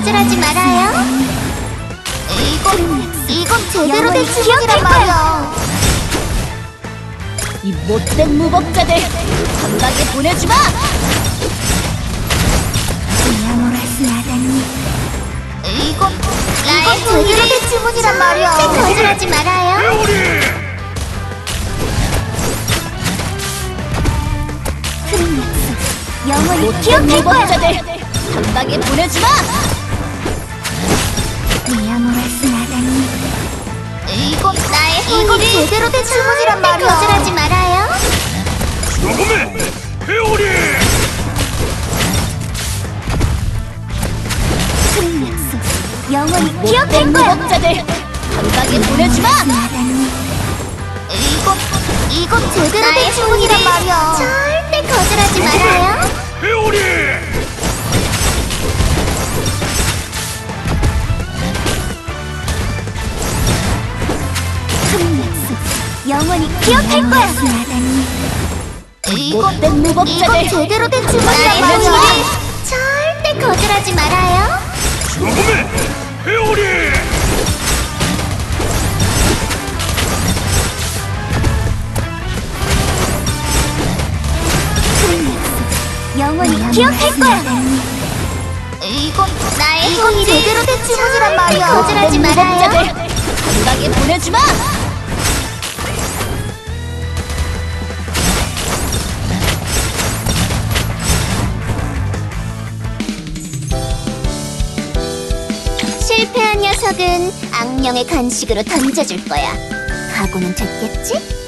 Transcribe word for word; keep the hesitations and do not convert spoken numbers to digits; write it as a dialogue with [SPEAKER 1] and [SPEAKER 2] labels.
[SPEAKER 1] 거절하지 말아요. 이건, 이건 제대로 된 주먹이란 말이야.
[SPEAKER 2] 이 못된 무법자들 감각에 보내주마!
[SPEAKER 1] 이건, 이건 제대로 된 주문이란 말이야. 거절하지 말아요. 큰 약속, 영원히
[SPEAKER 2] 못된
[SPEAKER 1] 기억할 거야.
[SPEAKER 2] 무법자들 감각에 보내주마!
[SPEAKER 1] 이건 나의 이건 제대로 된 주문이란 말이야. 거절하지 말아요.
[SPEAKER 3] 조금의 회오리!
[SPEAKER 1] 큰 약속, 영원히
[SPEAKER 2] 못된
[SPEAKER 1] 기억할 거야.
[SPEAKER 2] 무법자들 감각에 보내주마!
[SPEAKER 1] 이건, 이건 제대로 된 주문이란 말이야. 절대 거절하지 말아요.
[SPEAKER 3] 회오리!
[SPEAKER 1] 큰 약속, 영원히 기억할 거야. 이건,
[SPEAKER 2] 못된 무법자들
[SPEAKER 1] 이건 제대로 된 주문이란 말이야. 절대 거절하지 말아요.
[SPEAKER 3] 조금의 회오리!
[SPEAKER 1] 큰 약속, 영원히 기억할 거야. 이건 나의 이건 제대로 된 주문이란 말이야. 거절하지
[SPEAKER 2] 못된
[SPEAKER 1] 말아요.
[SPEAKER 2] 무법자들 감각에 보내주마!
[SPEAKER 1] 실패한 녀석은 악령의 간식으로 던져줄 거야. 각오는 됐겠지?